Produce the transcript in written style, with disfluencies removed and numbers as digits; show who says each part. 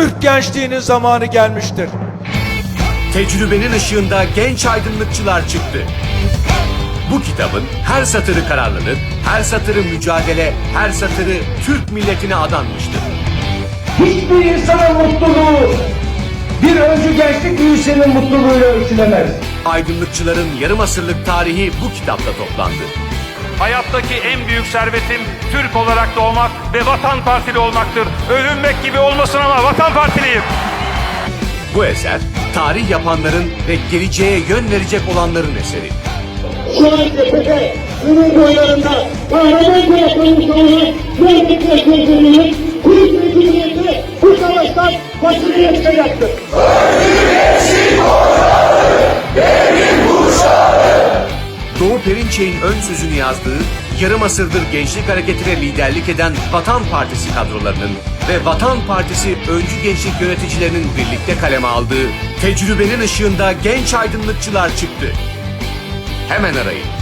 Speaker 1: Türk gençliğinin zamanı gelmiştir.
Speaker 2: Tecrübenin ışığında genç aydınlıkçılar çıktı. Bu kitabın her satırı kararlılık, her satırı mücadele, her satırı Türk milletine adanmıştır.
Speaker 3: Hiçbir insanın mutluluğu bir öncü gençlik büyüsünün mutluluğuyla ölçülemez.
Speaker 2: Aydınlıkçıların yarım asırlık tarihi bu kitapta toplandı.
Speaker 4: Hayattaki en büyük servetim Türk olarak doğmak ve Vatan Partili olmaktır. Övünmek gibi olmasın ama Vatan Partiliyim.
Speaker 2: Bu eser, tarih yapanların ve geleceğe yön verecek olanların eseri.
Speaker 5: Şu an cephede, bunun boylarında kahramanca yapılmış olan gerçekten sözlerinin Türk Cumhuriyeti bu savaştan başını yaşayacaktır.
Speaker 2: Doğu Perinçek'in ön sözünü yazdığı, yarım asırdır gençlik hareketine liderlik eden Vatan Partisi kadrolarının ve Vatan Partisi öncü gençlik yöneticilerinin birlikte kaleme aldığı Tecrübenin ışığında genç aydınlıkçılar çıktı. Hemen arayın.